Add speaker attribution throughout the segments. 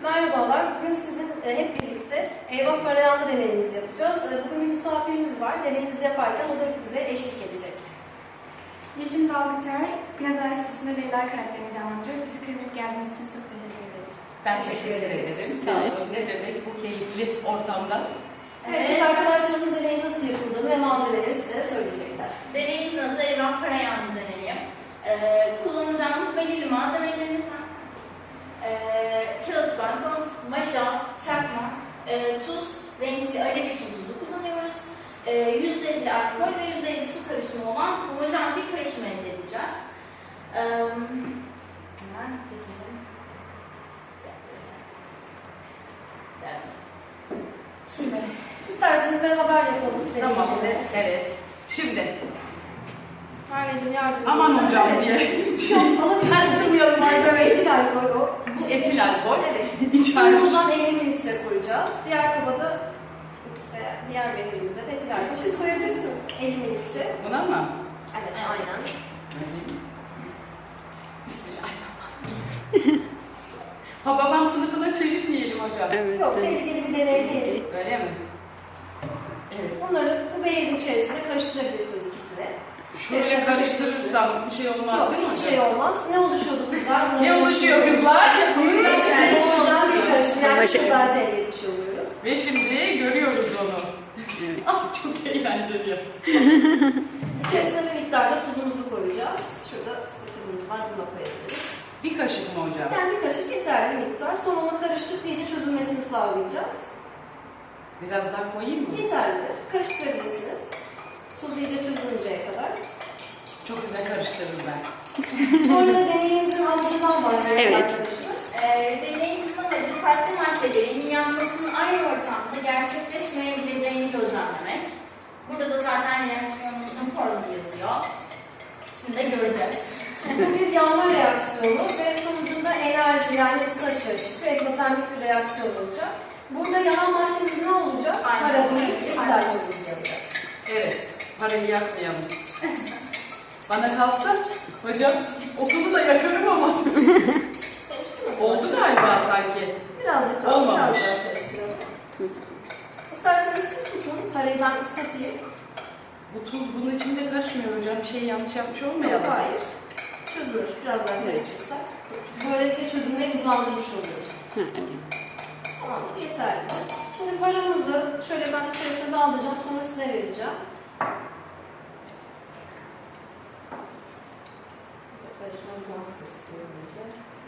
Speaker 1: Merhabalar, bugün sizin hep birlikte Eyvah Parayanlı deneyimizi yapacağız. Bugün bir misafirimiz var, deneyimizi yaparken o da bize eşlik edecek.
Speaker 2: Yeşim Dalgıçay, Pinat Araştırması'nda Leyla karakterini canlandırıyor. Bizi kırmayıp geldiğiniz için çok teşekkür ederiz.
Speaker 3: Ben teşekkür ederim. Sağ olun. Ne demek bu keyifli ortamda?
Speaker 1: Evet, şimdi arkadaşlarımız deneyin nasıl yapıldığını ve malzemeleri size söyleyecekler.
Speaker 4: Deneyimizin adı Eyvah Parayanlı deneyi. Kullanacağımız belirli malzemelerimiz var. Kağıt bankonuz, maşa, çakmak, tuz, renkli alev için tuzu kullanıyoruz. %50 alkol ve %50 su karışımı olan homojen bir karışım elde edeceğiz. Hemen geçelim. Evet.
Speaker 1: Şimdi, isterseniz beraber yapalım
Speaker 3: Tamam.
Speaker 1: deneyimizi.
Speaker 3: Evet. Şimdi.
Speaker 1: Merveciğim yardım edin.
Speaker 3: Aman hocam
Speaker 1: Evet.
Speaker 3: diye.
Speaker 1: Şu an alabilirsiniz.
Speaker 3: Karıştırmayalım malzemeyi.
Speaker 1: Etil alkol o.
Speaker 3: Bu etil alkol.
Speaker 1: Evet.
Speaker 3: İçeride.
Speaker 1: Suyumuzdan 50 mililitre koyacağız. Diğer kabada diğer behrimize de etil alkol. Siz koyabilirsiniz 50 mililitre.
Speaker 3: Buna mı?
Speaker 1: Evet, aynen.
Speaker 3: Bismillahirrahmanirrahim. Ha babam sınıfına çevirmeyelim hocam.
Speaker 5: Evet.
Speaker 1: Yok, tehlikeli bir deney değil.
Speaker 3: Öyle mi? Evet.
Speaker 1: Bunları bu beğenin içerisinde karıştırabilirsiniz ikisini.
Speaker 3: Şöyle karıştırırsam bir şey olmaz
Speaker 1: Yok,
Speaker 3: değil mi
Speaker 1: hiçbir
Speaker 3: hocam?
Speaker 1: şey olmaz. Ne oluşuyordu kızlar?
Speaker 3: Ne oluşuyor kızlar?
Speaker 1: Güzel bir karışım. Yani
Speaker 5: Başa-
Speaker 1: güzel elde etmiş oluyoruz.
Speaker 3: Ve şimdi görüyoruz onu. Ah, çok eğlenceli.
Speaker 1: İçerisine bir miktarda tuzumuzu koyacağız. Şurada sıkıntımız var, buna koyabiliriz.
Speaker 3: Bir kaşık mı hocam?
Speaker 1: Yani bir kaşık yeterli miktar. Sonra onu karıştırıp iyice çözülmesini sağlayacağız.
Speaker 3: Biraz daha koyayım mı?
Speaker 1: Yeterlidir. Karıştırabilirsiniz. Tuz iyice çözülünceye kadar.
Speaker 3: Çok güzel karıştırırım ben.
Speaker 1: Sonra da deneyimizin amacından bahsediyor
Speaker 5: Evet.
Speaker 1: arkadaşımız.
Speaker 4: Deneyimizin amacı farklı maddelerin yanmasının aynı ortamda gerçekleşmeyebileceğini gözlemlemek. Burada da zaten reaksiyonumuzun formülü yazıyor. Şimdi de göreceğiz.
Speaker 1: Bu bir yanma reaksiyonu ve sonucunda enerji yani ısı açığa çıkıyor. Ekzotermik bir reaksiyon olacak. Burada yanan maddemiz ne olacak?
Speaker 4: Aynen.
Speaker 1: Para değil, etil alkolümüz yanacak.
Speaker 3: Evet, parayı yakmayalım. Bana kalsa, hocam okulu da yakarım ama.
Speaker 1: Karıştırmadım.
Speaker 3: Oldu galiba sanki.
Speaker 1: Birazcık daha,
Speaker 3: Olmamış.
Speaker 1: biraz daha karıştıralım. İsterseniz siz tutun, parayı ben ıslatayım.
Speaker 3: Bu tuz bunun içinde karışmıyor hocam. Bir şey yanlış yapmış
Speaker 1: Yok,
Speaker 3: olmayalım.
Speaker 1: hayır. Çözülür. Biraz daha karıştırırsak. Böylelikle çözülmeyi hızlandırmış oluyoruz.
Speaker 5: Ha, evet.
Speaker 1: Tamam, yeterli. Şimdi paramızı şöyle ben içerisine daldıracağım, sonra size vereceğim. Karışma nasıl istiyorum önce.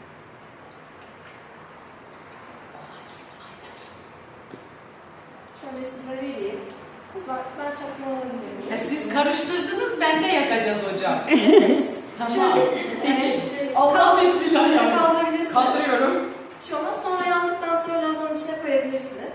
Speaker 1: Şöyle size vereyim. Kızlar, ben çakma alabilir miyim?
Speaker 3: Ya siz karıştırdınız, ben de yakacağız hocam.
Speaker 1: Evet.
Speaker 3: Tamam.
Speaker 1: Evet.
Speaker 3: Allah bismillah.
Speaker 1: Şöyle kaldırabilirsiniz.
Speaker 3: Kaldırıyorum.
Speaker 1: Bir şey olmaz. Sonra yandıktan sonra lavabonun içine koyabilirsiniz.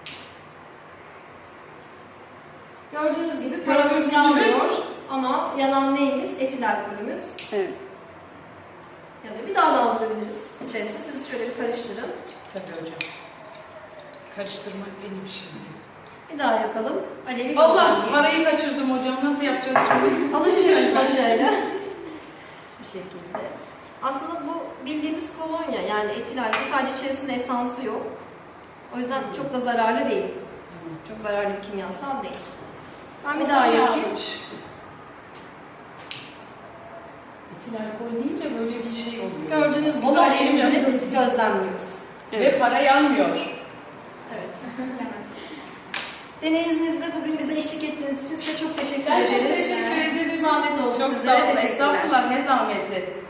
Speaker 1: Gördüğünüz gibi paramız
Speaker 3: Gördüğünüz
Speaker 1: yanmıyor ama yanan neyimiz? Etil alkolümüz.
Speaker 5: Evet.
Speaker 1: Yani bir daha daldırabiliriz içerisine. Siz şöyle bir karıştırın.
Speaker 3: Tabii hocam. Karıştırmak benim işim.
Speaker 1: Bir daha yakalım. Alevi
Speaker 3: Allah,
Speaker 1: gözlemleyin.
Speaker 3: parayı kaçırdım hocam. Nasıl yapacağız şimdi?
Speaker 1: Alabiliyoruz başarıyla. Bu şekilde. Aslında bu bildiğimiz kolonya yani etil alkol. Sadece içerisinde esansı yok. O yüzden çok da zararlı değil. Çok zararlı bir kimyasal değil. Ben bir daha yakayım.
Speaker 3: Etil alkol deyince böyle bir şey oluyor.
Speaker 1: Gördüğünüz gibi
Speaker 3: Allah elim
Speaker 1: alevimizi
Speaker 3: yanıyor.
Speaker 1: gözlemliyoruz.
Speaker 3: Ve para yanmıyor.
Speaker 1: Evet. Deneyimizde bugün bize eşlik ettiğiniz için size çok teşekkür
Speaker 3: Ben
Speaker 1: ederiz.
Speaker 3: çok teşekkür ederim.
Speaker 1: Zahmet oldu
Speaker 3: Çok
Speaker 1: sizlere.
Speaker 3: sağ olun.
Speaker 1: Teşekkürler.
Speaker 3: Estağfurullah, ne zahmeti.